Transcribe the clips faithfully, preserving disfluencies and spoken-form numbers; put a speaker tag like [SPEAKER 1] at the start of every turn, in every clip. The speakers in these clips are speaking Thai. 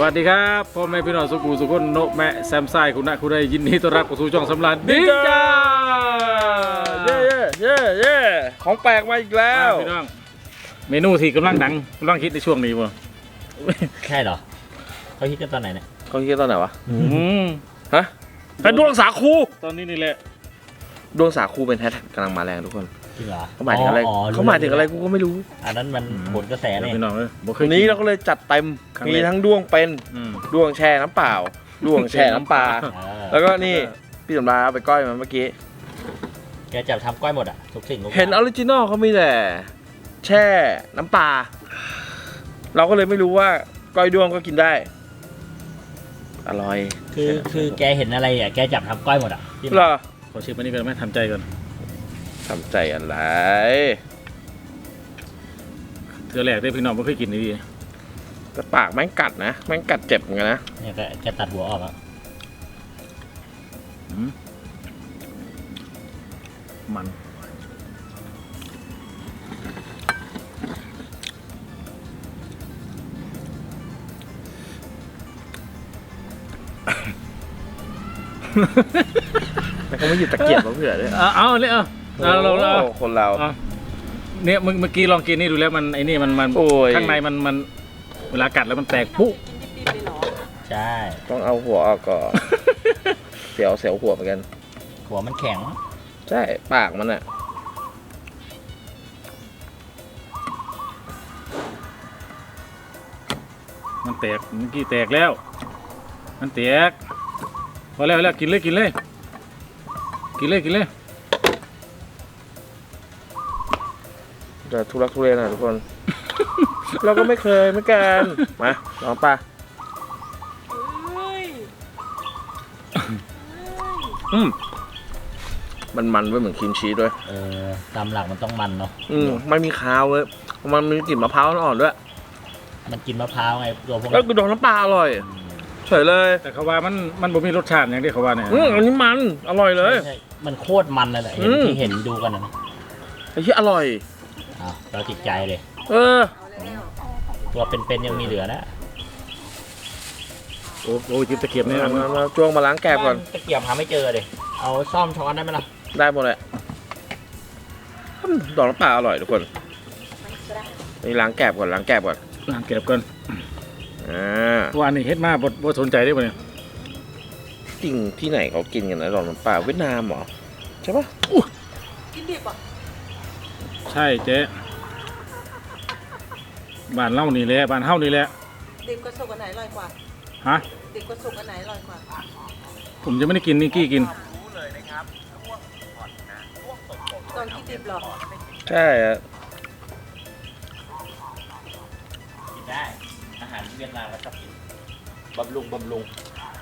[SPEAKER 1] วัสดีครับพ่อแม่พี่น้องสุกูสุกุนโนแม่แซมไซคุณนะคุณได้ยินดีต้อนรับเข้าสู่ช่องสำราญดีจ้า
[SPEAKER 2] เย่เย่เย่ของแปลกมาอีกแล้ว
[SPEAKER 1] พี่น้องเมนูที่กำลังดังกำลังคิดในช่วงนี้ป่ะ
[SPEAKER 3] ใช่เหรอเขาคิดกันตอนไหนเนี่ย
[SPEAKER 2] เขาคิดตอนไหนวะ
[SPEAKER 1] อืม
[SPEAKER 2] ฮะเป็นดวงสาคู
[SPEAKER 1] ตอนนี้นี่แหละ
[SPEAKER 2] ดวงสาคูเป็นแฮชแท็กกำลังมาแรงทุกคน
[SPEAKER 3] จริงเหรอ
[SPEAKER 2] เขาหมายถึงอะไรเขาหมายถึงอะไรกูก็ไม่รู้
[SPEAKER 3] อันนั้นมันผลกระแสเนี่ย
[SPEAKER 1] พี่น้องเลย
[SPEAKER 2] วันนี้เราก็เลยจัดเต็มมีทั้งด้วงเป็นด้วงแช่น้ำเปล่าด้วงแช่น้ำปลาแล้วก็นี่พี่สำราญเอาไปก้อยมาเมื่อกี้
[SPEAKER 3] แกจะทำก้อยหมดอ่ะทุกสิ่ง
[SPEAKER 2] เห็นออริจินอลเขามีแต่แช่น้ำปลาเราก็เลยไม่รู้ว่าก้อยด้วงก็กินได้อร่อย
[SPEAKER 3] คือคือแกเห็นอะไรอ่ะแกจับทำก้อยหมดอ่ะ
[SPEAKER 2] เหรอ
[SPEAKER 1] ขอชิมอันนี้ก่อนไหมทำใจก่อน
[SPEAKER 2] ทำใจอะไร
[SPEAKER 1] เธอแหลกได้พี่น้องไม่เคยกินดี
[SPEAKER 2] แต่ปากแม่งกัดนะแม่งกัดเจ็บเหมือนกันนะ
[SPEAKER 3] เนี่ยแกตัดหัวออกแล้ว
[SPEAKER 1] มัน
[SPEAKER 2] แต่เขาไม่หยิบตะเกียบมาเผื่อเลย
[SPEAKER 1] เอาเอาเนี่ยเอาเอาเราเรา
[SPEAKER 2] คนเรา
[SPEAKER 1] เนี่ยเมื่อกี้ลองกินนี่ดูแล้วมันไอ้นี่มันมันข้างในมันมันเวลากัดแล้วมันแตกปุ๊บ
[SPEAKER 3] ใช่
[SPEAKER 2] ต้องเอาหัวออกก่อนเสียวเสียวหัวเหมือนกัน
[SPEAKER 3] หัวมันแข็ง
[SPEAKER 2] ใช่ปากมันอะ
[SPEAKER 1] มันแตกเมื่อกี้แตกแล้วมันแตกพอแล้วแล้วกินเลยกินเลยกินเลยกินเลย
[SPEAKER 2] จะทุรักทุเลนะทุกคน เราก็ไม่เคยเหมือนกันมาลองป่ะอืมมันมันด้วยเหมือนครีมชีสด้วย
[SPEAKER 3] เออตามหลักมันต้องมันเนาะ
[SPEAKER 2] อืมไม่มีคาวเลยมันมีกลิ่นมะพร้าวอ่อนด้วย
[SPEAKER 3] มันกินมะพร้าวไงตัวพวก
[SPEAKER 2] แล้วกูโดนน้ำปลาอร่อยเฉยเลย
[SPEAKER 1] แต่เขาว่ามันมันบ่มีรสชาติอย่างที่เขาว่าเนี่ย
[SPEAKER 2] อืมอันนี้มันอร่อยเลย
[SPEAKER 3] มันโคตรมันเลยแหละเห็นที่เห็นดูกันนะ
[SPEAKER 2] ไอ้ที่อร่อย
[SPEAKER 3] อ้าวเราติดใจเลย
[SPEAKER 2] เออ
[SPEAKER 3] ตัวเป็นๆยังมีเหลือนะ
[SPEAKER 1] โอ้โหจิบตะเกียบเนี่ย
[SPEAKER 2] มาจ้วงมาล้างแกบก่อน
[SPEAKER 3] ตะเกียบหาไม่เจอเลยเอาซ่อมช้อนได้ไหมล่ะ
[SPEAKER 2] ได้หมดเลยดอกน้ำปลาอร่อยทุกคนนี่ล้างแกบก่อนล้างแกบก่อน
[SPEAKER 1] ล้างแกบก่อน
[SPEAKER 2] อ่า
[SPEAKER 1] วันนี้เฮ็ดมาบดบดสนใจได้ป่ะเนี่ย
[SPEAKER 2] จริงที่ไหนเขากินกันนะดอกน้ำปลาเวียดนามเหรอใช่ปะ
[SPEAKER 4] กินดิบอ่ะ
[SPEAKER 1] ใช่เจ๊บ้านเล่านี่แหละบ้านเฮ้านี่แหละ
[SPEAKER 4] ดิบกับสุกอันไหนอร่อยกว่า
[SPEAKER 1] ฮะ
[SPEAKER 4] ดิบกับสุกอันไหนอร่อยกว่า
[SPEAKER 1] ผมจะไม่ได้กินนี่กี้กิน
[SPEAKER 4] ตอนที่ดิบหรอ
[SPEAKER 2] ใช่อะ
[SPEAKER 3] กินได้อาหารเวียดนามแล้วชอบกินบำรุงบำรุง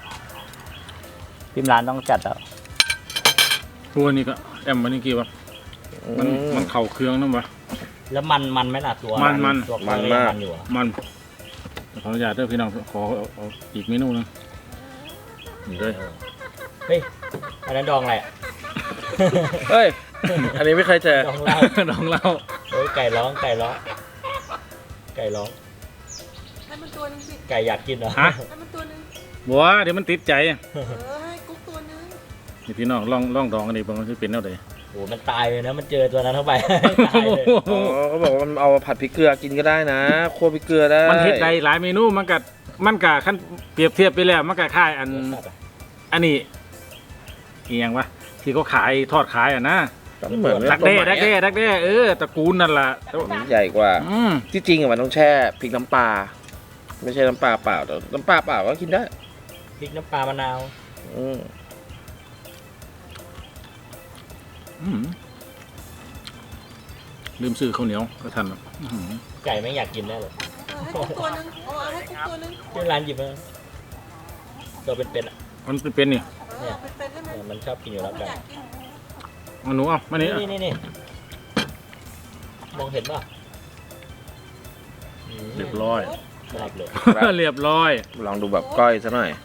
[SPEAKER 3] พิมร้านต้องจัดแล้ว
[SPEAKER 1] ตัวนี้ก็แอมมันนี่กี่วะมันมันเข่าเครื่องนั่นวะ
[SPEAKER 3] แล้วมันมันไหมล่ะตัว
[SPEAKER 1] มันมัน
[SPEAKER 3] ตัว
[SPEAKER 2] มันมาก
[SPEAKER 1] มันขออนุญาตด้วยพี่น้องขอเอาอีกเมนูนึงนี่เลย
[SPEAKER 3] เฮ้ยอันนั้นดองอะไร
[SPEAKER 2] เฮ้ยอันนี้ไม่เคยเจอ
[SPEAKER 3] ดองเล่า
[SPEAKER 1] ดองเล่า
[SPEAKER 3] เฮ้ยไก่ร้องไก่ร้องไก่ร้อง
[SPEAKER 4] ให้มันตัวนึงสิ
[SPEAKER 3] ไก่อยากกินเหรอ
[SPEAKER 1] ฮะ
[SPEAKER 4] ให้มันตัวนึง
[SPEAKER 1] บัวเดี๋ยวมันติดใจ
[SPEAKER 4] เออให้กุ๊กตัวนึง
[SPEAKER 1] นี่พี่น้องลองลองดองกันดิบางทีเป็นแนวใด
[SPEAKER 3] โอ้มันตายเลยนะมันเจอตัวนั้นเข้าไปตายเลย
[SPEAKER 2] เขาบอกว่ามันเอาผัดพริกเกลือกินก็ได้นะคั่วพริกเกลือได้
[SPEAKER 1] มันเฮ็ดได้หลายเมนูมันกัดมันกัดขั้นเปรียบเทียบไปแล้วมันกัดค่ายอันอันนี้อีหยังวะที่เขาขายทอดขายอ่ะนะ
[SPEAKER 2] เหมือน
[SPEAKER 1] ดักเด้ดักเด้ดักเด้เออตระกูลนั่นแหละ
[SPEAKER 2] ใหญ่กว่าที่จริงอะมันต้องแช่พริกน้ำปลาไม่ใช่น้ำปลาเปล่าแต่น้ำปลาเปล่าก็กินได้
[SPEAKER 3] พริกน้ำปลามะนาว
[SPEAKER 2] อืม
[SPEAKER 1] ลืมซื้อข้าวเหนียวก็ทัน
[SPEAKER 3] ไก่ไม่อยากกินแน่เลย
[SPEAKER 4] ให้กุ๊กตัวนึงเอาให้กุ๊กตัวนึง
[SPEAKER 3] ที่ร้านหยิบมาตัวเป็นๆอ่ะ
[SPEAKER 1] มันเป็นๆนี่
[SPEAKER 3] เนี่ยมันชอบกินอยู่แล้วไก่
[SPEAKER 1] มันหนูเอามานี่
[SPEAKER 3] นี่นี่นี่มองเห็นป่ะ
[SPEAKER 1] เรียบร้อย
[SPEAKER 3] เลย
[SPEAKER 1] เรียบร้อย
[SPEAKER 2] ลองดูแบบก้อยซะหน่อย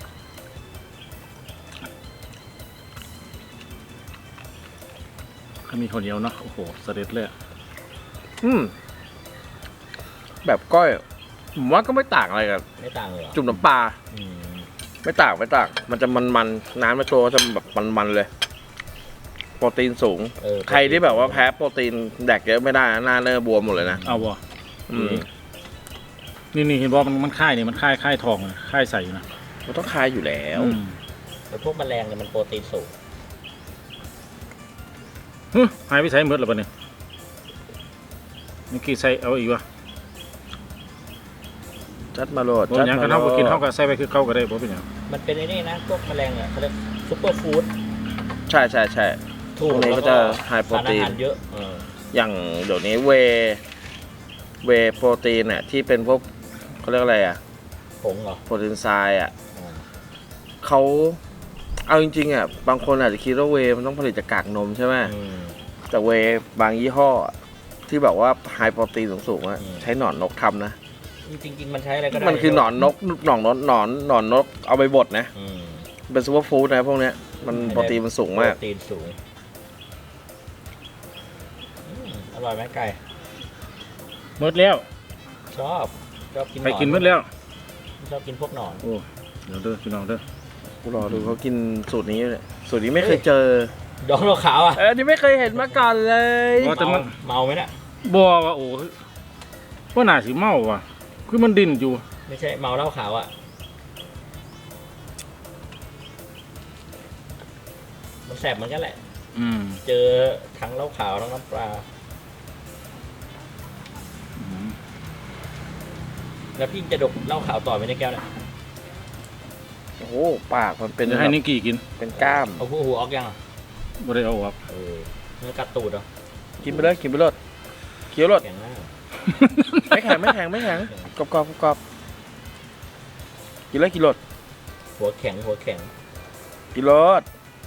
[SPEAKER 1] ถ้ามีข้าวเหนียวเนาะโอ้โหเสด็จเลย
[SPEAKER 2] อืมแบบก้อยผมว่าก็ไม่ต่างอะไรกัน
[SPEAKER 3] ไม่ต่างเลยเหรอ
[SPEAKER 2] จุ่มน้ำปลา
[SPEAKER 3] อืม
[SPEAKER 2] ไม่ต่างไม่ต่างมันจะมันมันๆน้ำในตัวจะแบบมันมันๆเลย โปรตีนสูง
[SPEAKER 3] เออ
[SPEAKER 2] ใครที่แบบว่าแพ้โปรตีนแดกเยอะไม่ได้นะหน้าเนื้อบวมหมดเลยนะ
[SPEAKER 1] เอาบ่
[SPEAKER 2] อืม
[SPEAKER 1] นี่นี่เห็นบอกมันมันค่ายนี่มันค่ายค่ายทองนะค่ายใส่อยู่นะ
[SPEAKER 2] มันต้องคายอยู่แล้ว
[SPEAKER 1] อืม
[SPEAKER 3] แต่พวกแมลงเนี่ยมันโปรตีนสูง
[SPEAKER 1] ฮึหายไปใส่หมดแล้วปะเนี่ยเมื่อกี้ใส่เอาอีกวะ
[SPEAKER 2] จัดมาโหลด
[SPEAKER 1] บ่
[SPEAKER 2] จัด
[SPEAKER 1] หยัง
[SPEAKER 2] มา
[SPEAKER 1] กัน
[SPEAKER 2] โหล
[SPEAKER 1] เท่ากับกิน
[SPEAKER 2] ด
[SPEAKER 1] เท่ากับใส่ไปคือเก่าก็ได้บ่เป็นหยัง
[SPEAKER 3] มันเป็นไอ้นี่นะพวกแมลงอ่ะเขาเรียกซุปเปอร์ฟู้ด
[SPEAKER 2] ใช่ใช่ใช่
[SPEAKER 3] ถูก
[SPEAKER 2] พวกนี้
[SPEAKER 3] แล้ว
[SPEAKER 2] ก็จะไฮโปรตีน
[SPEAKER 3] สารอาหารเยอะเออ
[SPEAKER 2] อย่างเดี๋ยวนี้เวเวโปรตีนเนี่ยที่เป็นพวกเขาเรียกอะไรอ่ะ
[SPEAKER 3] ผงเหรอ
[SPEAKER 2] โปรตีนทรายอ่ะ
[SPEAKER 3] อ่า
[SPEAKER 2] เขาเอาจริงๆอ่ะบางคนอาจจะคิดว่าเวมันต้องผลิตจากกากนมใช่ไหม
[SPEAKER 3] อืม
[SPEAKER 2] แต่เวบางยี่ห้ออะที่แบบว่าไฮโปรตีนสูงๆอะ
[SPEAKER 3] อืม
[SPEAKER 2] ใช้หนอนนกทำนะ
[SPEAKER 3] จริงๆมันใช้อะไรก็ได้
[SPEAKER 2] มันคือหนอนนกหนอนนกหนอนหนอนนกเอาไปบดนะ
[SPEAKER 3] อืม
[SPEAKER 2] เป็นซูเปอร์ฟู้ดนะพวกเนี้ยมันโปรตีนมันสูงมาก
[SPEAKER 3] โปรตีนสูงอืมอร่อยไหมไก่
[SPEAKER 1] หมดแล้ว
[SPEAKER 3] ชอบชอบกินหน
[SPEAKER 1] ไป
[SPEAKER 3] อน
[SPEAKER 1] กินหมดแล้ว
[SPEAKER 3] ชอบกินพวกหนอน
[SPEAKER 1] โอ้เดี๋ยวเด้อพี่น้องเด้อ
[SPEAKER 2] กูรอดูเขากินสูตรนี้อยู่เนี่ยสูตรนี้ไม่เคยเจอ
[SPEAKER 3] ดองเราขาวอ่ะ
[SPEAKER 2] เออนี่ไม่เคยเห็นมาก่อนเลย
[SPEAKER 1] ว่าแต่มัน
[SPEAKER 3] เมาไหมเนี่ย
[SPEAKER 1] บ่ว่าโอ้ว่าน่าสิเมาว่ะคือมันดิ้นอยู่
[SPEAKER 3] ไม่ใช่เมาเหล้าขาวอ่ะมันแสบเหมือนกันแหละ
[SPEAKER 1] อืม
[SPEAKER 3] เจอทั้งเหล้าขาวทั้งน้ำปลา
[SPEAKER 1] อืม
[SPEAKER 3] แล้วพี่จะดกเหล้าขาวต่อไปในแก้วเนี่ย
[SPEAKER 2] โอ้โหปากมันเป็น
[SPEAKER 1] เดี๋ยวให้นิกกี้กิน
[SPEAKER 2] เป็นกล้าม
[SPEAKER 3] เอาหัวหัวออกยังอ่ะ
[SPEAKER 1] บ่ได้เอาออก
[SPEAKER 3] เออเนื้อกัดตูดเหรอ
[SPEAKER 2] กินไปเลยกินไปเลยเคี้ยวรส
[SPEAKER 3] แข็งมาก
[SPEAKER 2] ไม่แข็งไม่แข็งไม่แข็งกรอบกรอบกรอบกินเลยกินรส
[SPEAKER 3] หัวแข็งหัวแข็ง
[SPEAKER 2] กินรส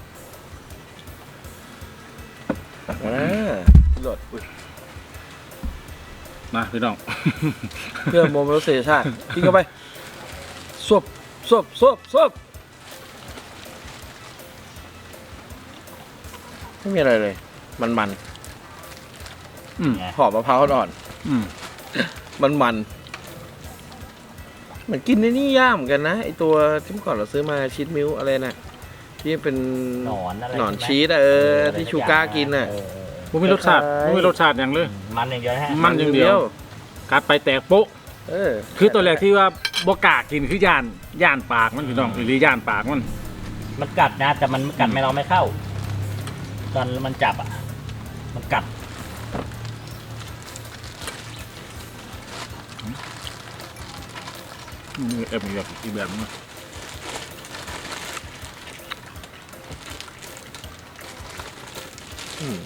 [SPEAKER 2] อ่ากินรสอุ๊ย
[SPEAKER 1] มาพี่น้อง
[SPEAKER 2] เพื่อโมเมลเซชาติกินเข้าไปซบซบซบซบไม่มีอะไรเลย มันมัน
[SPEAKER 1] อืม
[SPEAKER 2] หอมมะพร้าวอ่อน
[SPEAKER 1] อืม
[SPEAKER 2] มันมันเหมือนกินในนี่ย่างเหมือนกันนะไอตัวที่เมื่อก่อนเราซื้อมาชีสมิลอะไรนะที่เป็น
[SPEAKER 3] หนอนอะไร
[SPEAKER 2] หนอน
[SPEAKER 3] ใช่ไหม
[SPEAKER 2] ชีสอะเออ
[SPEAKER 3] อะไร
[SPEAKER 2] ที่
[SPEAKER 3] สั
[SPEAKER 2] ชู
[SPEAKER 3] อย่ง
[SPEAKER 2] ก้ากินน่ะ
[SPEAKER 3] เออเออเอ
[SPEAKER 1] บ่มีรสชาติ
[SPEAKER 2] คล้ายๆ
[SPEAKER 1] บ่มีรสชาติอย่างเลย
[SPEAKER 3] อมันอย่างเดียวนะฮะ
[SPEAKER 1] มันอย่างเดียว กัดไปแตกโป๊ะ
[SPEAKER 2] เออ
[SPEAKER 1] คือตัวแรกที่ว่าบ่กล้ากินคือย่านย่านปากมันพี่น้องหรือย่านปากมัน
[SPEAKER 3] มันกัดนะแต่มันกัดไม่เราไม่เข้า ตอนมันจับอ่ะ มันกัด
[SPEAKER 1] มีเอ็มอีกแบบอีกแบบนึงนะ
[SPEAKER 2] อืม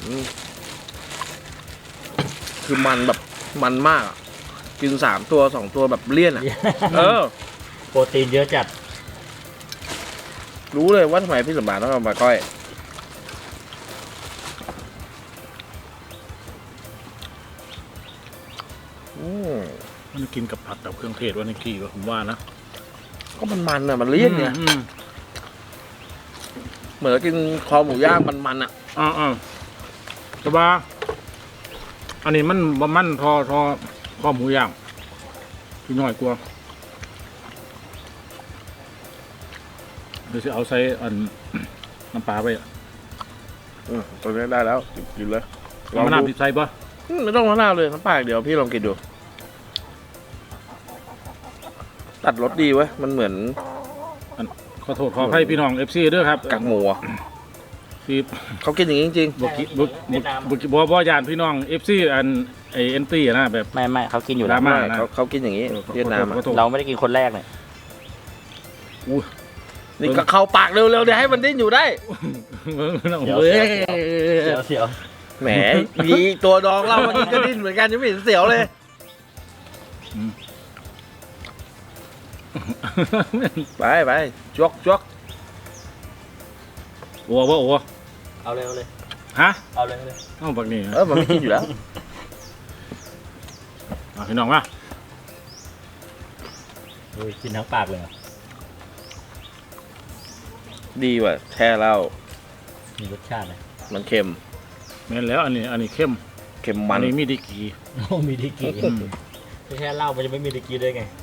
[SPEAKER 2] คือมันแบบมันมากอะกินสามตัวสองตัวแบบเลี่ยนอ่ะ เออ
[SPEAKER 3] โปรตีนเยอะจัด
[SPEAKER 2] รู้เลยว่าทำไมพี่สมบัติต้องเอามาก้อย อืม
[SPEAKER 1] มันกินกับผัดกับเครื่องเทศว่านิกกี้ว่าผมว่านะ
[SPEAKER 2] ก็มันมันอ่ะ มันเลี่ยนเนี่ย
[SPEAKER 1] อืม
[SPEAKER 2] เหมือนกินคอหมูย่างมันมันๆอ่ะ
[SPEAKER 1] อ่าอ่าแต่ว่าอันนี้มันบ่มันทอทอข้อหมูย่างพี่น้อยกว่าเดี๋ยวจะเอาใส่อัน น้ำปลาไปอะ
[SPEAKER 2] อืมตัวนี้ได้แล้วกินเลยลอง
[SPEAKER 1] มะนาว
[SPEAKER 2] ดู
[SPEAKER 1] ติดใส่ปะ
[SPEAKER 2] อืมไม่ต้องมะนาวเลยน้ำปลาอย่างเดี๋ยวพี่ลองกินดู ตัดรสดีเว้ยมันเหมือน
[SPEAKER 1] ขอโทษขอให้พี่น้องเอฟซีด้วยครับ
[SPEAKER 2] กากหมูอะ
[SPEAKER 1] ที่
[SPEAKER 2] เขากินอย่างนี้จริง
[SPEAKER 1] บุกิบุกบุกบุกบัวบัวยานพี่น้องเอฟซีอันไอเอ็นตี้นะแบบ
[SPEAKER 3] ไม่ไม่เขากินอยู่
[SPEAKER 1] ด
[SPEAKER 3] แล้
[SPEAKER 1] ราว ม่า
[SPEAKER 2] ๆเขาเขากินอย่างนี้เวียดนามอะ
[SPEAKER 1] ขอโทษ
[SPEAKER 3] เราไม่ได้กินคนแรกเนี่ย
[SPEAKER 1] อู้
[SPEAKER 2] นี่ก็เข้าปากเร็วๆเดี๋ยวให้มันดิ้นอยู่ได้
[SPEAKER 3] เดี๋ยว
[SPEAKER 2] เว้ย
[SPEAKER 3] เสียวเสียว
[SPEAKER 2] แหมมีตัวดองเราเมื่อกี้ก็ดิ้นเหมือนกันยังไม่เห็นเสียวเลย ไปไปจวกจวก
[SPEAKER 1] โอ้โหโอ้โห
[SPEAKER 3] เอาเลยเอาเลย
[SPEAKER 1] ฮะ
[SPEAKER 3] เอาเลยเอาเลย
[SPEAKER 1] เอ้าบักนี่
[SPEAKER 2] เออมันไม่กินอยู่แล้ว
[SPEAKER 1] เอาพี่น้องมา
[SPEAKER 3] โอ้ยกินทั้งปากเลยเหรอ
[SPEAKER 2] ดีว่ะแช่เหล้า
[SPEAKER 3] มีรสชาติเลย
[SPEAKER 2] มันเค็ม
[SPEAKER 1] แม่นแล้วอันนี้อันนี้เข้ม
[SPEAKER 2] เค็ม
[SPEAKER 1] อั
[SPEAKER 2] มัน น
[SPEAKER 1] นี้มีดีกี
[SPEAKER 3] โอ้มีดีกี่
[SPEAKER 1] อืม
[SPEAKER 3] ไม่ใช่เหล้ามันจะไม่มีตะกี้ได้ไง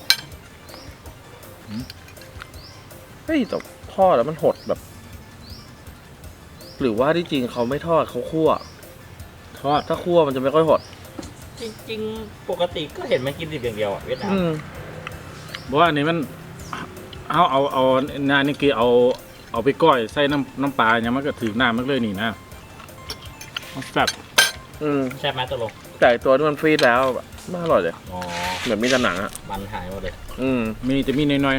[SPEAKER 2] เฮ้ยแต่ทอดแล้วมันหดแบบ หรือว่าที่จริงเขาไม่ทอดเขาคั่ว
[SPEAKER 1] ทอด
[SPEAKER 2] ถ้าคั่วมันจะไม่ค่อยหด
[SPEAKER 3] จริงๆ ปกติก็เห็นมันกินดิบอย่างเดียวอ่ะเวียดนาม
[SPEAKER 2] อืม
[SPEAKER 1] เพราะว่าอันนี้มันเอาเอาเอานานี่คือเอาเอาไปก้อยใส่น้ำน้ำปลาอย่างมันก็ถือน้ำมันเลยนี่นะมันแบบ
[SPEAKER 2] อืม
[SPEAKER 3] ใช่ไหมตกลง
[SPEAKER 2] แต่ไอ้ตัวที่มันฟรีดแล้วแบบไม่อร่อยเลย
[SPEAKER 3] อ๋อ
[SPEAKER 2] เหมือนมีแต่หนังอ่ะ
[SPEAKER 3] มันหายหมดเลย
[SPEAKER 2] อืม
[SPEAKER 1] มีจะมีน้อย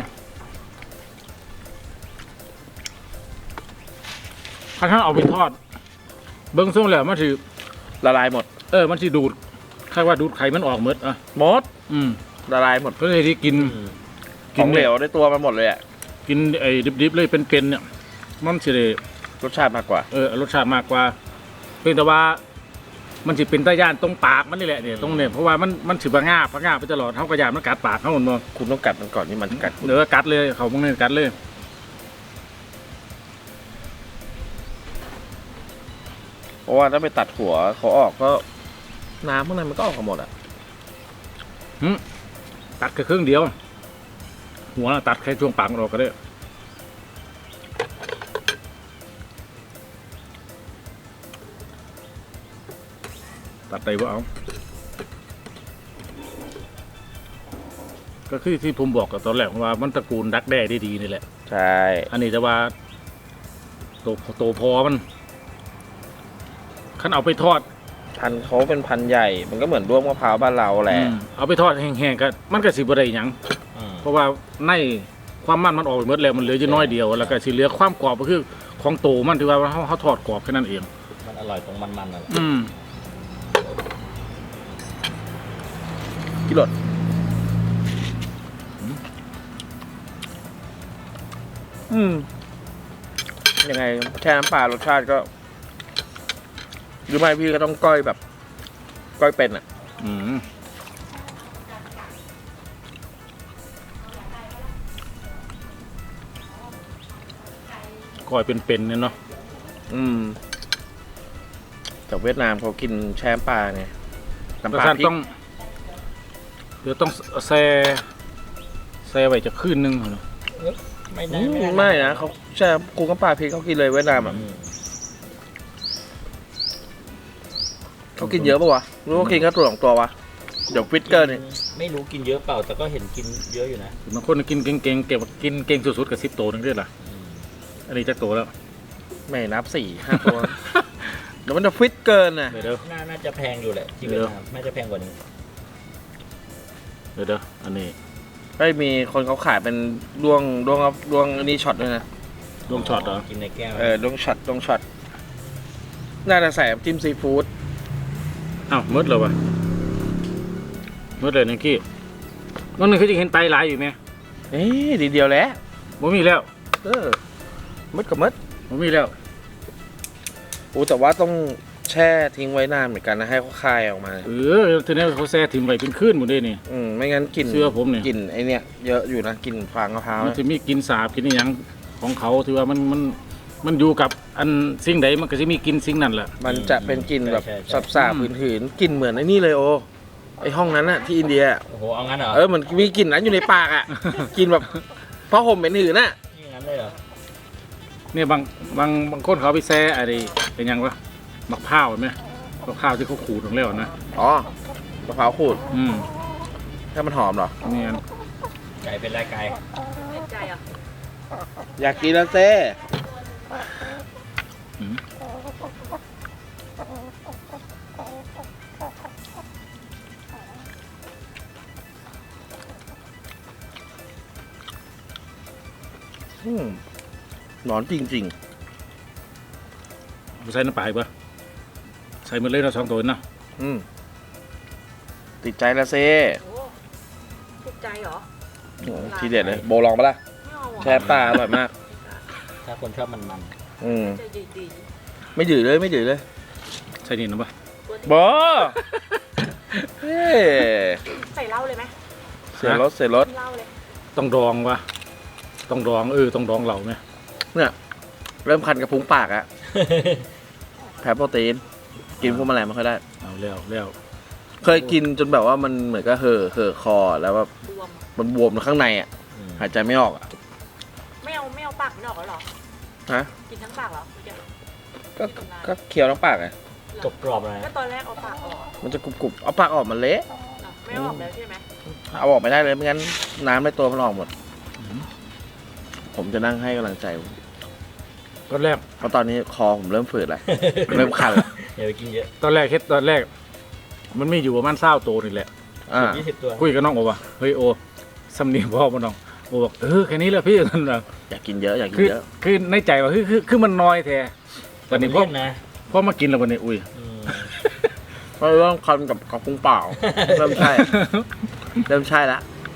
[SPEAKER 1] ๆถ้าท่านเอาไปทอด เบิ้งส่งแล้วมันถือ
[SPEAKER 2] ละลายหมด
[SPEAKER 1] เออมันถือดูดคาดว่าดูดไขมันออกหมดอ่ะ
[SPEAKER 2] หมด
[SPEAKER 1] อืม
[SPEAKER 2] ละลายหมด
[SPEAKER 1] เพื่อที่กิน
[SPEAKER 3] อืม
[SPEAKER 2] ของเหลวได้ตัวมันหมดเลยอ่ะ
[SPEAKER 1] กินไอ้ดิบๆเลยเป็นๆเนี่ยมันสิได้
[SPEAKER 2] รสชาติมากกว่า
[SPEAKER 1] เออรสชาติมากกว่าเพียงแต่ว่า มันสิเป็นตะย่านตรงปากมันนี่แหละเนี่ยตรงเนี่ยเพราะว่ามันมันสิบงาบงาบไปตลอดเท่ากระยานมันกัดปากเขาหมดบ่
[SPEAKER 2] คุณต้องกัดมันก่อนนี่มันกัดคุณ
[SPEAKER 1] เดี๋ยวก็กัดเลยเขาพวกนี้กัดเลย
[SPEAKER 2] เพราะว่าถ้าไปตัดหัวเขาออกก็น้ำข้างในมันก็ออกมาหมดอ่ะ
[SPEAKER 1] ตัดแค่ครึ่งเดียว หัวน่ะตัดแค่ช่วงปากมันออกก็ได้ตัดไปว่าเอาก็คือที่ผมบอกกับตอนแรกว่ามันตระกูลดักแด้ได้ดีนี่แหละ
[SPEAKER 2] ใช่
[SPEAKER 1] อันนี้แต่ว่าโตโตพอมันขันเอาไปทอด
[SPEAKER 2] พันธุ์เขาเป็นพันธุ์ใหญ่ มันก็เหมือนด้วงมะพร้าวบ้านเราแหละ
[SPEAKER 1] อืมเอาไปทอดแห้งๆก็มันก็สิบ่ได้หยัง
[SPEAKER 3] อืม
[SPEAKER 1] เพราะว่าในความมันมันออกไปหมดแล้วมันเหลืออยู่น้อยเดียวแล้วก็สิเหลือความกรอบก็คือของโตมันที่ว่าเขาเขาทอดกรอบแค่นั้นเอง
[SPEAKER 3] มันอร่อยตรงมันๆนั่นแหละ
[SPEAKER 1] อืม
[SPEAKER 2] กิโลดอืมยังไงแช่น้ำปลารสชาติก็ หรือไม่พี่ก็ต้องก้อยแบบ ก้อยเป็นอ่ะ
[SPEAKER 1] อืมก้อยเป็นๆเนี่ยเนาะ
[SPEAKER 2] อืมแต่เวียดนามเขากินแช่น้ำปลาไงน้ำ
[SPEAKER 1] แต่
[SPEAKER 2] ปลา
[SPEAKER 1] ท่าน
[SPEAKER 2] พริก
[SPEAKER 1] ต้องเดี๋ยวต้องแซ่แซ่ไว้จะคืนนึงเหรอ
[SPEAKER 3] ไม่
[SPEAKER 2] อื
[SPEAKER 3] ได้
[SPEAKER 2] มไม่นะเขาแช่กุ้งน้ำปลาพริกเขากินเลยเวียดนามอ่ะ
[SPEAKER 3] อืม
[SPEAKER 2] เขากินเยอะปะวะหรือว่ากินแค่ตัวสองตัววะเดี๋ยวฟิตเกอร์เนี่ย
[SPEAKER 3] ไม่รู้กินเยอะเปล่า แต่ก็เห็นกินเยอะอยู่นะ
[SPEAKER 1] บางคนกินเก่งๆเก็บกินเก่งสุดๆกับสิบโตนึงด้วยล่ะ
[SPEAKER 3] อืม
[SPEAKER 1] อันนี้จะโตแล้ว
[SPEAKER 2] ไม่นับสี่ห้าตัว เดี๋ยวมันจะฟิตเกินนะ
[SPEAKER 1] เดี๋ยวเดี๋ยว
[SPEAKER 3] น่าน่าจะแพงอยู่แหละที่เวียดนามน่าจะแพงกว่านี้
[SPEAKER 1] เดี๋ยวเดี๋ยวอันนี้
[SPEAKER 2] ก็มีคนเขาขายเป็นดวงดวงดวงอันนี้ช็อตด้วยนะ
[SPEAKER 1] ดวงช็อตเหรอ
[SPEAKER 3] กินในแก้ว
[SPEAKER 2] เออดวงช็อตดวงช็อตน่าจะใส่น้ำจิ้มซีฟู้ด
[SPEAKER 1] อ้าวมืดเลยวะมืดเลยนังกี้วันหนึงเขาจะเห็นไตหลายอยู่ไหม
[SPEAKER 2] เอ๊ะดีเดียวแหล้ว
[SPEAKER 1] บ่มีแล้ว
[SPEAKER 2] เออมืดกับมืด
[SPEAKER 1] บ่มีแล้ว
[SPEAKER 2] โอ้แต่ว่าต้องแช่ทิ้งไว้นานเหมือนกันนะให้เขาคายออกมา
[SPEAKER 1] เออทีนี้เขาแซ่ถิ่มไว้เป็นคืนหมดเลยนี่
[SPEAKER 2] อืมไม่งั้นกลิ่น
[SPEAKER 1] เชื่อผมเนี่ย
[SPEAKER 2] กลิ่นไอเนี้ยเยอะอยู่นะกลิ่นฟางมะพร้าว
[SPEAKER 1] มันจะมีกลินสาบกลินอหยังของเขาที่ว่ามันมันมันอยู่กับอันสิ่งใดมันก็จะมีกลินสิ่งนั้นแหละ
[SPEAKER 2] มันจะเป็นกลิ่นแบบสาบๆผืนๆกลิ่นเหมือนไอ้นี่เลยโอไอห้องนั้นอะที่อินเดียอะ
[SPEAKER 3] โอ้โห เอางั้นเหรอ
[SPEAKER 2] เออมันมีกลิ่นนั้นอยู่ในปากอะ กลิ่นแบบผ้าห่มเป็นหืนน่ะ
[SPEAKER 3] นี่งั้นเลยเหรอ
[SPEAKER 1] เนี่ยบางบางบางคนเขาเอาไปแซ่อะไรเป็นหยังวะมะพร้าวเห็นไหมมะพร้าวที่เขาขูดลงแล้วนะ
[SPEAKER 2] อ๋อมะพร้าวขูด
[SPEAKER 1] อืม
[SPEAKER 2] ถ้ามันหอมเหรอ
[SPEAKER 1] เนี่ย
[SPEAKER 3] ไก่เป็นไรไก่
[SPEAKER 4] ใจอ่ะ
[SPEAKER 2] อยากกินแล้วเซ่
[SPEAKER 1] อืม
[SPEAKER 2] อืมหนอนจริง
[SPEAKER 1] ใส่น้ำปลาอีกปะใส่หมดเลยเราะสองตัวนะ
[SPEAKER 2] ๆ อืมติดใจแล้วเซ่
[SPEAKER 4] โอ้ติดใจเหรอ
[SPEAKER 2] โอ้ทีเด็ดเลย โบลองปะล่ะ
[SPEAKER 4] ไม่เอาอ่ะ
[SPEAKER 2] แช่ปลาอร่อยมาก
[SPEAKER 3] ถ้าคนชอบมัน
[SPEAKER 2] อืม
[SPEAKER 4] ใจดีดี
[SPEAKER 2] ไม่ดื้อเลยไม่ดื้อเลย
[SPEAKER 1] ใส่นี่นะปะ
[SPEAKER 2] บอเฮ้
[SPEAKER 4] ใส่เหล้าเลยไหม
[SPEAKER 2] เสียรถเสียรถ
[SPEAKER 4] เหล้าเลย
[SPEAKER 1] ต้องดองวะต้องดองเออต้องดองเหล่าไหม
[SPEAKER 2] เนี่ย เริ่มคันกระพุ้งปากอะ
[SPEAKER 3] ๆ
[SPEAKER 2] แพ้โปรตีน กินพวกแมลงไม่ค่อยได้
[SPEAKER 1] เอาแล้วแล้ว
[SPEAKER 2] เคยกินจนแบบว่ามันเหมือนก็เห่อเห่อคอแล้วแบบ
[SPEAKER 4] บวม
[SPEAKER 2] มันบวมข้างในอ่ะ
[SPEAKER 3] อืม
[SPEAKER 2] หายใจไม่ออกอ่ะ
[SPEAKER 4] ไม่เอาไม่เอาปากมันออกแล้วเหรอ
[SPEAKER 2] ฮะ
[SPEAKER 4] กินทั้งปากเหรอเมื่อกี้
[SPEAKER 2] ก็ก็เคี้ยวทั้งปากไง
[SPEAKER 3] กรอบกรอบๆอะไร
[SPEAKER 4] ก็ตอนแรกเอาปากออก
[SPEAKER 2] มันจะกรุบๆเอาปากออกมันเละ
[SPEAKER 4] เหรอไม่เอาออกแล้วใช่ไหม
[SPEAKER 2] เอาออกไม่ได้เลยไม่งั้นน้ำในตัวมันออกหมด ผมจะนั่งให้กำลังใจ
[SPEAKER 1] ตอนแรก
[SPEAKER 2] เพราะตอนนี้คอผมเริ่มฝืดแล้ว เริ่มคันแล้ว
[SPEAKER 3] อย่าไปกินเยอะ
[SPEAKER 1] ตอนแรกเฮ็ดตอนแรก มันไม่อยู่ประมาณเศร้าโตวนี่แหละ
[SPEAKER 2] อ่า
[SPEAKER 3] ยี่สิบตัว
[SPEAKER 1] คุยกับน้องโอว่าเฮ้ยโอสำเนียงพ่อมาน้องโอบอกเออแค่นี้แหละพี่นั่นน่ะ
[SPEAKER 2] อยากกินเยอะอยากกิ
[SPEAKER 1] คื
[SPEAKER 2] น
[SPEAKER 1] อ
[SPEAKER 2] เยอะ
[SPEAKER 1] คือในใจว่าคือคือคือมันน้อยแท้ตอนนี้พ่อ
[SPEAKER 3] เล่นนะ
[SPEAKER 1] พ่อมากินแล้ววันนี้อุ้ย
[SPEAKER 3] อืม
[SPEAKER 2] เพราะเริ่มคันกับกับพุงเปล่า เริ่มใช่ เริ่มใช่ละ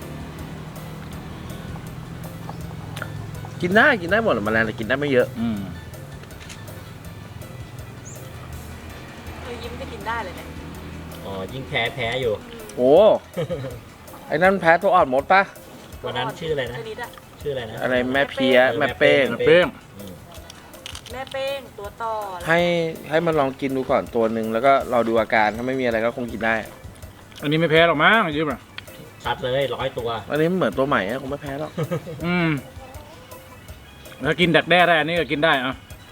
[SPEAKER 2] กินได้กินได้หมดแมลงแต่กินได้ไม่เยอะ
[SPEAKER 1] อืม
[SPEAKER 4] เออยิ้มจะกินได้เลยเนี่ย
[SPEAKER 3] อ๋อยิ่งแพ้แพ้อยู่
[SPEAKER 2] โอ้ไอ้นั่นแพ้ตัวอ่อนมดปะ
[SPEAKER 3] วันนั้นชื่ออะไรนะ
[SPEAKER 4] ชนิดอะ
[SPEAKER 3] ชื่ออะไรนะ
[SPEAKER 2] อะไรแม่เพี้ยแม่เป้ง
[SPEAKER 1] เป้ง
[SPEAKER 3] อืม
[SPEAKER 4] แม่เป้งตัวต่อ
[SPEAKER 2] ให้ให้มันลองกินดูก่อนตัวหนึ่งแล้วก็เราดูอาการถ้าไม่มีอะไรก็คงกินได้
[SPEAKER 1] อันนี้ไม่แพ้หรอกมั้งยืมอ่ะ
[SPEAKER 3] ชัดเลยร้อยตัว
[SPEAKER 2] อันนี้มันเหมือนตัวใหม่อะคงไม่แพ้หรอก
[SPEAKER 1] อืมถ้ากินดักแด้ได้อันนี้ก็กินได้อ่ะ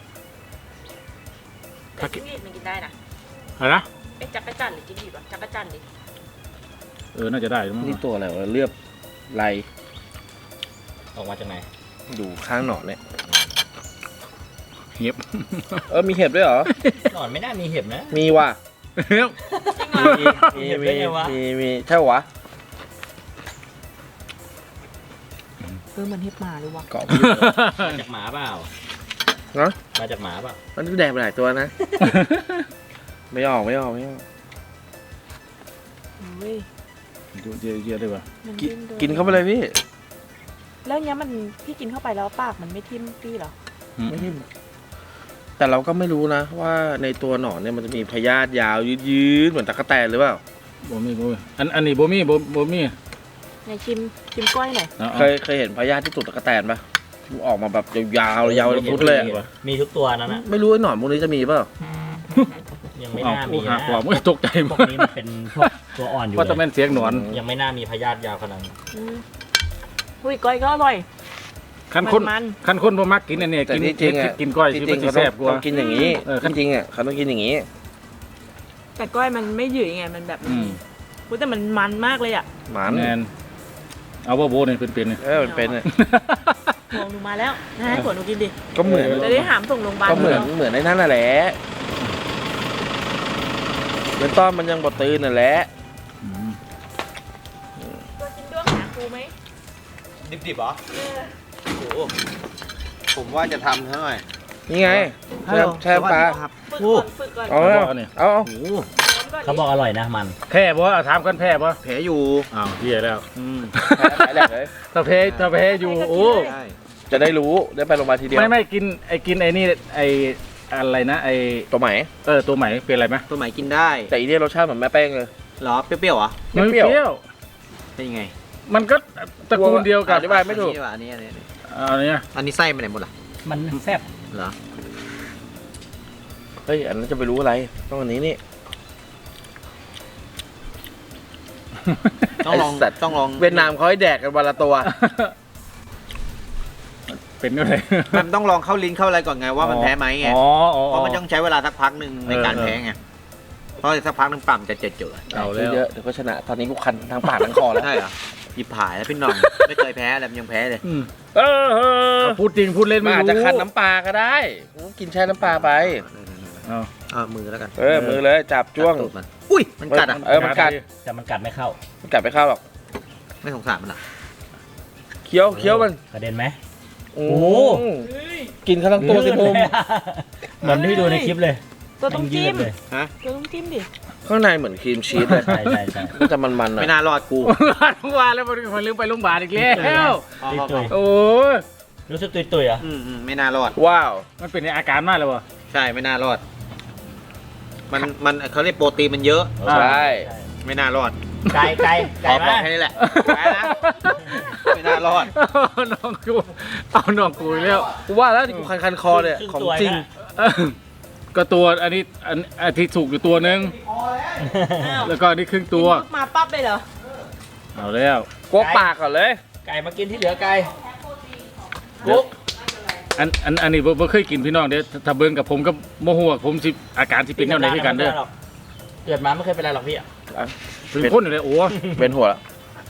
[SPEAKER 4] แต่จิ้งหรีดมันกินได้นะ
[SPEAKER 1] อะไรนะ
[SPEAKER 4] เอ๊ะจักรจั่นหรือจิ้งหรีดวะจักรจั่นดิ
[SPEAKER 1] เออน่าจะได้มั้ง
[SPEAKER 2] นี่ตัวอะไรวะเลือบไร
[SPEAKER 3] ออกมาจากไหน
[SPEAKER 2] อยู่ข้างหนอนเนี่ย
[SPEAKER 1] เหียบ
[SPEAKER 2] เออมีเห็บด้วยเหรอ
[SPEAKER 3] หนอนไม่น่ามีเห็บนะ
[SPEAKER 2] มีว่ะ
[SPEAKER 1] เหียบ
[SPEAKER 4] จริงเหรอ
[SPEAKER 2] มี
[SPEAKER 3] เห็บ
[SPEAKER 2] มี
[SPEAKER 3] ได้ไงวะ
[SPEAKER 2] มีมีใช่วะ
[SPEAKER 4] เออมันเห็บหมาเลยวะ
[SPEAKER 2] เกาะพี่
[SPEAKER 3] มาจากหมาเปล่า
[SPEAKER 2] เนาะ
[SPEAKER 3] มาจากหมาเปล่า
[SPEAKER 2] มันแดกไปหลายตัวนะ ไม่ออกไม่ออกไม่ออก
[SPEAKER 4] เฮ้ย
[SPEAKER 1] ดูเยอะๆเลยว่ะ
[SPEAKER 4] มัน
[SPEAKER 2] กิน
[SPEAKER 4] ดิ้ด้วย
[SPEAKER 2] กินเข้าไปเลยพี่
[SPEAKER 4] แล้วเนี้ยมันพี่กินเข้าไปแล้วปากมันไม่ทิ่มพี่เหรอ
[SPEAKER 2] ไม่ทิ่มแต่เราก็ไม่รู้นะ ว่าในตัวหนอนเนี่ยมันจะมีพยาธิยาวยืดๆเหมือนตะกั่วแตนหรือเปล่า
[SPEAKER 1] บ่มีบ่มีอันอันนี้บ่มีบ่บ่มี
[SPEAKER 4] ไหนชิมชิมก้อยหน่อย
[SPEAKER 1] อา
[SPEAKER 2] เคยเคยเห็นพยาธิที่ตูดตะกั่วแตนปะที่ออกมาแบบยาวๆยาวเป็นฟุตเลยอะ
[SPEAKER 3] มีทุกตัวนั้นนะ
[SPEAKER 2] ไม่รู้ไอ้หนอนพวกนี้จะมีเปล่า
[SPEAKER 3] ยังไม่
[SPEAKER 1] เอา
[SPEAKER 3] น่า
[SPEAKER 1] ผู้
[SPEAKER 3] มี
[SPEAKER 1] หา
[SPEAKER 3] นะ
[SPEAKER 1] ความไม่ตกใจ
[SPEAKER 3] พว
[SPEAKER 1] มาก
[SPEAKER 3] นี้มันเป็นพวกตัวอ่อนอยู่
[SPEAKER 1] ว่าจะ
[SPEAKER 3] เล
[SPEAKER 1] เป็
[SPEAKER 3] ย
[SPEAKER 1] นเสียงหนอน
[SPEAKER 3] ยังไม่น่ามีพยาธิยาวขนาดนั้น
[SPEAKER 4] อืมอุ้ยก้อยก็อร่อย
[SPEAKER 1] คันคน
[SPEAKER 4] มัน
[SPEAKER 1] คันคนบ่มักกินอันนี้
[SPEAKER 2] แต่
[SPEAKER 1] กิน
[SPEAKER 2] ที่จริงอะ
[SPEAKER 1] กินก้อย
[SPEAKER 2] ที่
[SPEAKER 1] ที่
[SPEAKER 2] จริ
[SPEAKER 1] มั
[SPEAKER 2] ง
[SPEAKER 1] นสิ
[SPEAKER 2] เขาต้
[SPEAKER 1] แซ่
[SPEAKER 2] อง
[SPEAKER 1] บกว่า
[SPEAKER 2] ต้องกินอย่างนี้
[SPEAKER 1] เออ
[SPEAKER 2] จริงๆอ่ะเขาต้องกินอย่างนี้
[SPEAKER 4] แต่ก้อยมันไม่หยืดไงมันแบบ
[SPEAKER 1] อืม
[SPEAKER 4] อุ๊ยแต่มันมันมากเลยอ่ะ
[SPEAKER 2] หมัน
[SPEAKER 1] แมนเอาว่าโบเนี่ยเป็นๆเนี่ย
[SPEAKER 2] เออมันเป็นอะ
[SPEAKER 4] หัวหนูมาแล้วนะให้หัวหนูกินดิ
[SPEAKER 2] ก็เหมือน
[SPEAKER 4] จะได้หามส่งโรงพยาบาล
[SPEAKER 2] ก็เหมือนเหมือนไอ้นั่นน่ะแหละเบื้องต้นมันยังบดตื่นน่ะแหละ
[SPEAKER 1] อืม
[SPEAKER 4] ตัวกินด้วงหาครูไหม
[SPEAKER 5] ดิบๆเหรอ โอ้โหผมว่าจะทำซะหน่อย
[SPEAKER 2] นี่ไงแช่แช่ปลา
[SPEAKER 5] ครับ
[SPEAKER 4] ฝึกก่อนฝึกก่อน
[SPEAKER 2] เอาเอาเอาเอา
[SPEAKER 3] โอ้
[SPEAKER 4] ร้อนก่อนดิ
[SPEAKER 3] เขาบอกอร่อยนะมัน
[SPEAKER 1] แพ้บ่เอาถามกันแพ้บ่
[SPEAKER 5] แผลอยู่
[SPEAKER 1] อ้าวเฮียแล้ว
[SPEAKER 5] อืม
[SPEAKER 2] แพ้แหลกเลย
[SPEAKER 1] ถ้าแพ้ถ้าแพ้อยู่โอ้
[SPEAKER 5] ใช่
[SPEAKER 2] จะได้รู้ได้ไปโรงพยาบาลทีเดียว
[SPEAKER 1] ไม่ไม่กินไอ้กินไอ้นี่ไอ้อะไรนะไอ้
[SPEAKER 2] ตัวใหม่
[SPEAKER 1] เออตัวใหม่เป็นอะไรไหม
[SPEAKER 5] ตัวไหนกินได้
[SPEAKER 2] แต่อีเนี่ยรสชาติเหมือนแม่แป้งเลย
[SPEAKER 5] เหรอ เปรี้ยวๆเหรอ
[SPEAKER 2] ไม่เปรี้ยว
[SPEAKER 1] เปรี้ยว
[SPEAKER 5] เป็นยังไง
[SPEAKER 1] มันก็ตระกูลเดียวกับ
[SPEAKER 2] อธิบายไม่ถูก
[SPEAKER 5] อันนี้ว่ะอันนี้อันนี้อันนี้
[SPEAKER 1] อันเนี้ย
[SPEAKER 5] อันนี้ไส้ไปไหนหมดล่ะ
[SPEAKER 3] มันแซ่บ
[SPEAKER 5] เหรอ
[SPEAKER 2] เฮ้ยอันนั้นจะไปรู้อะไรต้องอันนี้นี่
[SPEAKER 5] ต้องลอง
[SPEAKER 2] ไอ้สัตว์
[SPEAKER 5] ต้องลอง
[SPEAKER 2] เวียดนามเขาให้แดกกันวันละตัว
[SPEAKER 1] เป็นอะไร
[SPEAKER 5] มันต้องลองเข้าลิ้นเข้าอะไรก่อนไงว่ามันแพ้ไหมไง
[SPEAKER 1] อ๋ออ๋อ
[SPEAKER 5] เพราะมันต้องใช้เวลาสักพักหนึ่งในการ
[SPEAKER 1] เออ
[SPEAKER 5] แพ้ไง เพราะสักพักหนึ่งปั่มจะเจ็ดเจือ
[SPEAKER 1] เอาแล้ว
[SPEAKER 2] เยอะเดี๋ยวก็ชนะ ตอนนี้กูคันทั้งปากทั้งคอแล้ว
[SPEAKER 5] ใช่เหรอหยิบผายแล้วพี่หน้อง ไม่เคยแพ้อะไรมันยังแพ้เลย
[SPEAKER 1] อืมเออเออพูดจริงพูดเล่น
[SPEAKER 2] มัน
[SPEAKER 1] ไม่
[SPEAKER 2] อาจ
[SPEAKER 1] รู้
[SPEAKER 2] จะคันน้ำปลาก็ได้กินแช่น้ำปลาไป
[SPEAKER 1] เอา
[SPEAKER 5] เอามือแล้วกัน
[SPEAKER 2] เออมือเลยจับจ้วง
[SPEAKER 5] กัดตูดมันอุ้ยมันกัดอ่ะ
[SPEAKER 2] เออมันกัด
[SPEAKER 3] แต่มันกัดไม่เข้า
[SPEAKER 2] มันกัดไม่เข้าหรอก
[SPEAKER 5] ไม่สงสารมันอ่ะ
[SPEAKER 2] เคี้ยวเคี้ยวมัน
[SPEAKER 3] กระเด็นไหม
[SPEAKER 2] โอ้
[SPEAKER 3] โอ้โห
[SPEAKER 2] กินข้าวทั้งตัวสิภูมิ
[SPEAKER 3] เหมือนที่ดูในคลิปเลย
[SPEAKER 4] ตัวต้องจิ้ม
[SPEAKER 3] ยืดเลย
[SPEAKER 5] ฮะ
[SPEAKER 4] ตัวต้องจิ้มดิ
[SPEAKER 2] ข้างในเหมือนครีมชีสเลย
[SPEAKER 3] ใช่ใช่ใช่
[SPEAKER 2] ก็จะมันๆหน่อย
[SPEAKER 5] ไม่น่ารอดกู
[SPEAKER 1] ทุกวันแล้วมันลืมไปโรงพยาบาลอีกแล้ว
[SPEAKER 5] พอ
[SPEAKER 3] ตุย
[SPEAKER 5] พอ
[SPEAKER 3] ตุ
[SPEAKER 5] พอย
[SPEAKER 1] โอ้ย
[SPEAKER 3] รู้สึกตุยตุยๆอ่ะ
[SPEAKER 5] อืมอืมไม่น่ารอด
[SPEAKER 2] ว้าว
[SPEAKER 1] มันเป็นอาการมากเลยวะ
[SPEAKER 5] ใช่ไม่น่ารอด มันมันเขาเรียกโปรตีนมันเยอะ
[SPEAKER 1] อ่า
[SPEAKER 2] ใช่
[SPEAKER 5] ไม่น่ารอด
[SPEAKER 3] ไก่ไก่
[SPEAKER 5] ข
[SPEAKER 3] ไก่
[SPEAKER 5] อบอก
[SPEAKER 3] มา
[SPEAKER 5] แค่นี้แหละแพ้นะ ไม่น่ารอด
[SPEAKER 1] เอาน้องกูเอาน้องกูอีกแล้ว
[SPEAKER 2] กูว่าแล้วที่กูคันคันๆคอเนี่ยของจริง
[SPEAKER 1] เออก็ตัวอันนี้อันอันที่สุกอยู่ตัวหนึง
[SPEAKER 4] อ้าว
[SPEAKER 1] แล้วก็อันนี้ครึ่งตัว
[SPEAKER 4] กินมาปั๊บเลยเหรอ
[SPEAKER 1] เอาแล้ว
[SPEAKER 2] กวกปากก่อนเลย
[SPEAKER 3] ไก่มากินที่เหลือไก่กุ๊ก
[SPEAKER 1] อันอันอันนี้บ่บ่เคยกินพี่น้องเด้อถ้าเบิ่งกับผมก็โมโหว่าผมสิอาการสิเป็นแนวไหนคือกันเด้อ
[SPEAKER 3] เกิดมาไม่เคยเป็นไรหรอกพี่อะ
[SPEAKER 1] เป็นคนอยู่เลยโอ้
[SPEAKER 2] เป็นหัวแล้ว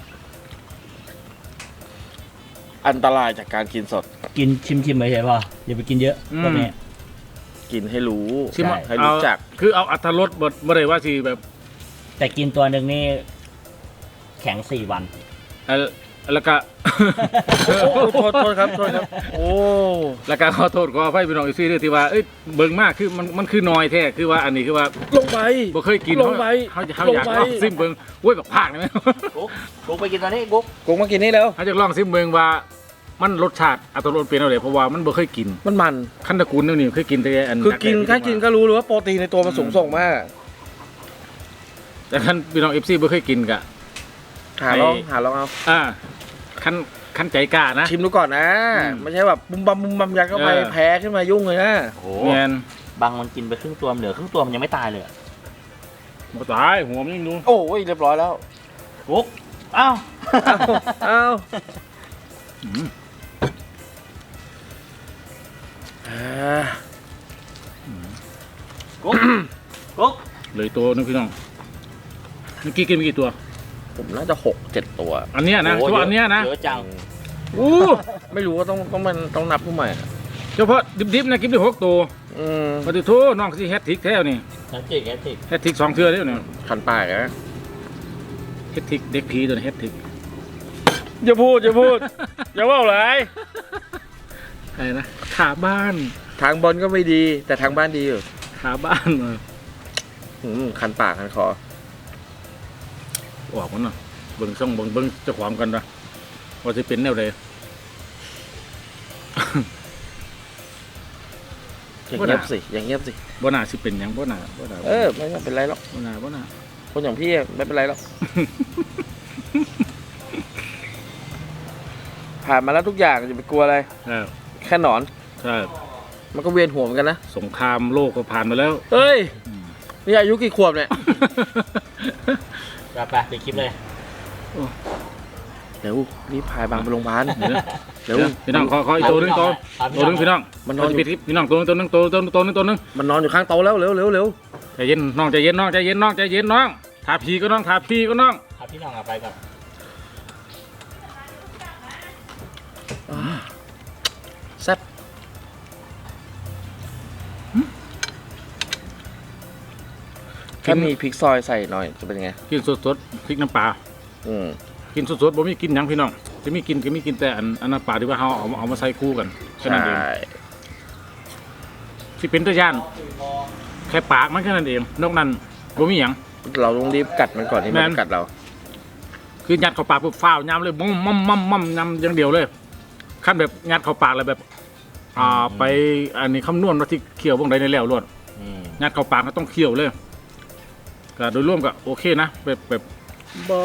[SPEAKER 2] อันตรายจากการกินสด
[SPEAKER 3] กินชิมชิมไปเฉยพออย่าไปกินเยอะก็แม่
[SPEAKER 2] กินให้รู้
[SPEAKER 1] สิมา
[SPEAKER 2] ให้รู้จัก
[SPEAKER 1] เอาคือเอาอัตรสบ่บ่ได้ว่าสิแบบ
[SPEAKER 3] แต่กินตัวหนึ่งนี่แข็งสี่วัน
[SPEAKER 1] เอ่อแล้วก็
[SPEAKER 2] โอ้โหโทษโทษครับโทษครับ โอ้
[SPEAKER 1] แล้วก็ขอโทษขออภัยพี่น้องอีซี่ด้วยที่ว่าเอ้ยเบิ่งมากคือมันมันคือน้อยแท้คือว่าอันนี้คือว่า
[SPEAKER 2] ลงไป
[SPEAKER 1] บ่เคยกิน
[SPEAKER 2] ลงไป
[SPEAKER 1] เขาเขา
[SPEAKER 2] ลง
[SPEAKER 1] อยาก
[SPEAKER 2] ไป
[SPEAKER 1] ลองซิมเบิ่งโอ้ยแบบภาคนี่ไหม
[SPEAKER 3] กุ๊กกุ๊กไปกินตอนนี้กุ๊ก
[SPEAKER 2] กูมากินนี่แล้ว
[SPEAKER 1] เขาจะลองซิมเบิ่งว่ามันรสชาติอัตรสเป็นอะไรเพราะว่ามันบ่เคยกิน
[SPEAKER 2] มันมัน
[SPEAKER 1] ขั้นตระกูลเดี๋ยวนี้เคยกินแต่อัน
[SPEAKER 2] คือกินแค่กินก็รู้เลยว่าโปรตีนในตัวมันสูงส่งมาก
[SPEAKER 1] แต่ท่านพี่น้อง เอฟ ซีบ่เคยกินกะ
[SPEAKER 2] หาลองหาลองเอา
[SPEAKER 1] อ่าขั้นขั้นใจกล้านะ
[SPEAKER 2] ชิมดูก่อนนะ
[SPEAKER 1] อืม
[SPEAKER 2] ไม่ใช่แบบบุมบัมบุมบัมยัดเข้าไป
[SPEAKER 1] เออ
[SPEAKER 2] แพ้ขึ้นมายุ่งเลยนะ
[SPEAKER 3] โอ้
[SPEAKER 1] แม่น
[SPEAKER 3] บางมันกินไปครึ่งตัวมันเหลือครึ่งตัวมันยังไม่ตายเลยอะ
[SPEAKER 1] บ่ตายหัวมันยังดู
[SPEAKER 2] โอ้ยเรียบร้อยแล้ว
[SPEAKER 3] กุ๊กอ้าว
[SPEAKER 2] เอา
[SPEAKER 1] อืม
[SPEAKER 2] อ่า
[SPEAKER 3] กุ๊กกุ๊ก
[SPEAKER 1] เหลยตัวนึงพี่น้องเมื่อกี้กินไปกี่ตัว
[SPEAKER 2] ผมน่าจะหกเจ็ดตัว
[SPEAKER 1] อันเนี้ยนะ
[SPEAKER 3] โอ้
[SPEAKER 1] เฉพาะอันเนี้ยนะ
[SPEAKER 3] เยอะจัง
[SPEAKER 1] อู้
[SPEAKER 2] ไม่รู้ว่าต้องต้องมันต้องนับผู้ใหม่
[SPEAKER 1] เฉพาะดิบๆนะกินได้หกตัว
[SPEAKER 2] อืม
[SPEAKER 1] ปฏิโทน้องสิแฮตทริกแท้นี่
[SPEAKER 3] น้ำจิกแค่จิก
[SPEAKER 1] แฮตทริกสองเทื่อเด้อเนี่ย
[SPEAKER 2] ขันปากนะ
[SPEAKER 1] แฮตทริกเด็กผีตัวนี้แฮตทริก
[SPEAKER 2] อย่าพูดอย่าพูด อย่าว่าอะไร
[SPEAKER 1] อะไรนะขาบ้าน
[SPEAKER 2] ทางบอลก็ไม่ดี แต่ทางบ้านดีอยู่
[SPEAKER 1] ขาบ้านเออ
[SPEAKER 2] อืมคันปากคันคอ
[SPEAKER 1] ออกมันเนาะเบิ่งช่องเบิ่งเบิ่งเจ้าของกันนะว่าสิเป็นแนวใด
[SPEAKER 2] อย่างเงียบสิอย่างเงียบสิ
[SPEAKER 1] บ่น่าสิเป็นหยังบ่น่าบ่น่า
[SPEAKER 2] เออไม่เป็นไรหรอก
[SPEAKER 1] บ่น่าบ่น่า
[SPEAKER 2] คนอย่างพี่ไม่เป็นไรหรอก ผ่านมาแล้วทุกอย่างจะไปกลัวอะไร
[SPEAKER 1] เออ
[SPEAKER 2] แค่หนอน
[SPEAKER 1] ใช่
[SPEAKER 2] มันก็เวียนหัวเหมือนกันนะ
[SPEAKER 1] สงครามโลกก็ผ่านมาแล้ว
[SPEAKER 2] เฮ้ยนี่อายุกี่ขวบเนี่ย
[SPEAKER 3] ไปไปปิดคลิปเลย
[SPEAKER 2] เดี๋ยวรีบพายบางไปโรงพยาบาล
[SPEAKER 1] เดี๋ยว
[SPEAKER 2] เดี๋ยว
[SPEAKER 1] พี่น้องขอขออีกตัวหนึงตัว
[SPEAKER 3] เอาพี่
[SPEAKER 1] ตัวหนึง
[SPEAKER 3] น้อง
[SPEAKER 1] พี่น้อง
[SPEAKER 2] มันน
[SPEAKER 1] น
[SPEAKER 2] อ
[SPEAKER 1] อน น
[SPEAKER 2] อยู่
[SPEAKER 1] ปิดคลิปพี่น้องตัวหนึงตัวหนึงตัวตัวตัวหนึงตัวหนึง
[SPEAKER 2] มันนอนอยู่ข้างโต๊ะแล้วเร็วเร็วเร็ว
[SPEAKER 1] ใจเย็นน้องใจเย็นน้องใจเย็นน้องใจเย็นน้องทาพีก็น้องทาพีก็น้อง
[SPEAKER 3] เอาพี่น้องเอาไปก่อน
[SPEAKER 2] แซ่บถ้ามีพริกซอยใส่หน่อยจะเป็นไง
[SPEAKER 1] กินสดๆพริกน้ำปลา
[SPEAKER 2] อืม
[SPEAKER 1] กินสดๆบ่มีกินหยังพี่น้องจะมีกินก็มีกินแต่อันอันน้ำปลาที่ว่าเฮาเอามาเอามาใส่คู่กันแค่นั้นเอง
[SPEAKER 2] ใช่
[SPEAKER 1] ที่เป็นตะย่านแค่ปากมันแค่นั้นเองนอกนั้นบ่มีหยัง
[SPEAKER 2] เราต้องรีบกัดมันก่อนที่มัน
[SPEAKER 1] แม่น
[SPEAKER 2] จะกัดเรา
[SPEAKER 1] คือยัดเข้าปากปุ๊บฟ้าวยำเลยมั่มมั่มมั่มมั่มยำอย่างเดียวเลยขั้นแบบยัดเข้าปากเลยแบบ อ่าไปอันนี้คำนวณว่าที่เคี่ยวบ่งใดในแล้วรวด
[SPEAKER 3] อืม
[SPEAKER 1] ยัดเข้าปากก็ต้องเคี่ยวเลยก็โดยรวมก็โอเคนะแบบแบบบ่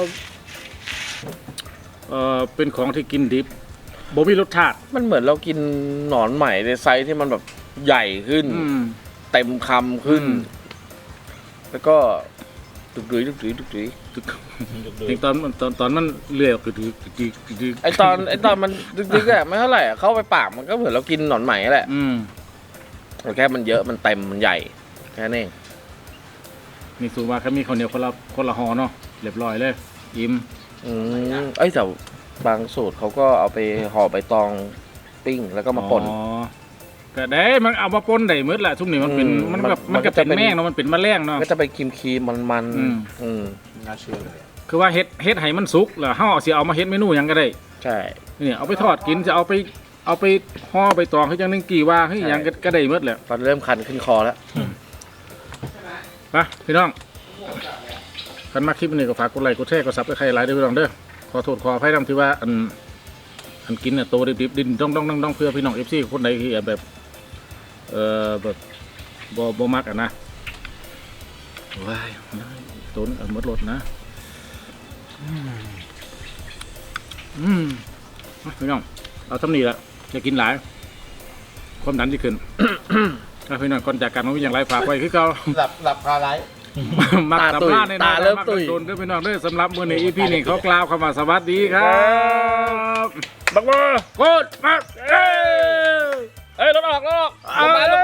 [SPEAKER 1] เอ่อเป็นของที่กินดิบบ่มีรสชาติ
[SPEAKER 2] มันเหมือนเรากินหนอนใหม่ในไซส์ที่มันแบบใหญ่ขึ้น
[SPEAKER 1] อืม
[SPEAKER 2] เต็มคำขึ้น
[SPEAKER 1] อืม
[SPEAKER 2] แล้วก็ดุกดุยดุกดุยดุกดุย
[SPEAKER 3] ดูดู
[SPEAKER 1] ถึงตอนตอนตอนมันเลื่อยออกคือคือคือคือ
[SPEAKER 2] ไอตอนไอตอนมันดึกๆอะไม่เท่าไหร่อะเข้าไปปากมันก็เหมือนเรากินหนอนไหมแหละ
[SPEAKER 1] อืม
[SPEAKER 2] แต่แค่มันเยอะมันเต็มมันใหญ่แค่นั้นเอง
[SPEAKER 1] นี่สูว่าแค่มีข้าวเหนียวคนละคนละห่อเนาะเรียบร้อยเลยอิ่ม
[SPEAKER 2] อืมเอ้ยแต่บางสูตรเขาก็เอาไปห่อใบตองปิ้งแล้วก็มาป่น
[SPEAKER 1] อ๋อก็ได้มันเอามาปนได้หมดแหละทุกนี่มันเป็น
[SPEAKER 2] อืม
[SPEAKER 1] มัน
[SPEAKER 2] มัน
[SPEAKER 1] แบบ
[SPEAKER 2] มั
[SPEAKER 1] มัน
[SPEAKER 2] นก็
[SPEAKER 1] ก็เป็น
[SPEAKER 2] จะเป็น
[SPEAKER 1] แมงเนาะมันเป็นแมลงเนาะ
[SPEAKER 2] ก็จะไปครีมครีมมันมันๆ
[SPEAKER 1] อืม
[SPEAKER 2] อืม
[SPEAKER 5] น่าเชื่อเลย
[SPEAKER 1] คือว่าเฮ็ดเฮ็ดให้มันสุกแล้วเฮาเอาสิเอามาเฮ็ดเมนูหยังก็ได้
[SPEAKER 2] ใช่
[SPEAKER 1] นี่เอาไปทอดกินจะเอาไปเอาไปห่อไปตองให้จังนึงกี่ว่าให้หยังก็ก็ได้หมดแหละ
[SPEAKER 2] ตอนเริ่มคันขึ้นคอแล้ว
[SPEAKER 1] ไปพี่น้องคันมาคลิปนี้ก็ฝากกดไลค์กดแชร์กดซับสไครต์หลายเด้อพี่น้องเด้อขอโทษขออภัยนำที่ว่าอันอันกินน่ะโตดิบๆดินต้องต้องต้องต้องเพื่อพี่น้อง เอฟ ซี คนใดที่แบบเอ่อแบบบ่บ่มักอ่ะนะว้ายตัวนึงเอาหมดรถนะอืมอืมพี่น้องเอาทำนี่ละจะกินหลายความดันที่ขึ้นถ้าพี่น้องก่อนจากกันมันมีอย่างไรฝากไว้คือเก่า
[SPEAKER 5] หลับหลับคาไลท์
[SPEAKER 1] มัก
[SPEAKER 2] ตา
[SPEAKER 1] สัม
[SPEAKER 2] ตุย
[SPEAKER 1] ภาษณ์ใน
[SPEAKER 2] ตาเริ่มตุย
[SPEAKER 1] โดนด้วยพี่น้องด้วยสำหรับมื้อนี้ อี พี นี้เขากล่าวคำว่าสวัสดีครับ
[SPEAKER 2] บักมา
[SPEAKER 1] โคตรมักเอ้ย
[SPEAKER 2] เอ้ยรถออกรถออกลงมาลงมา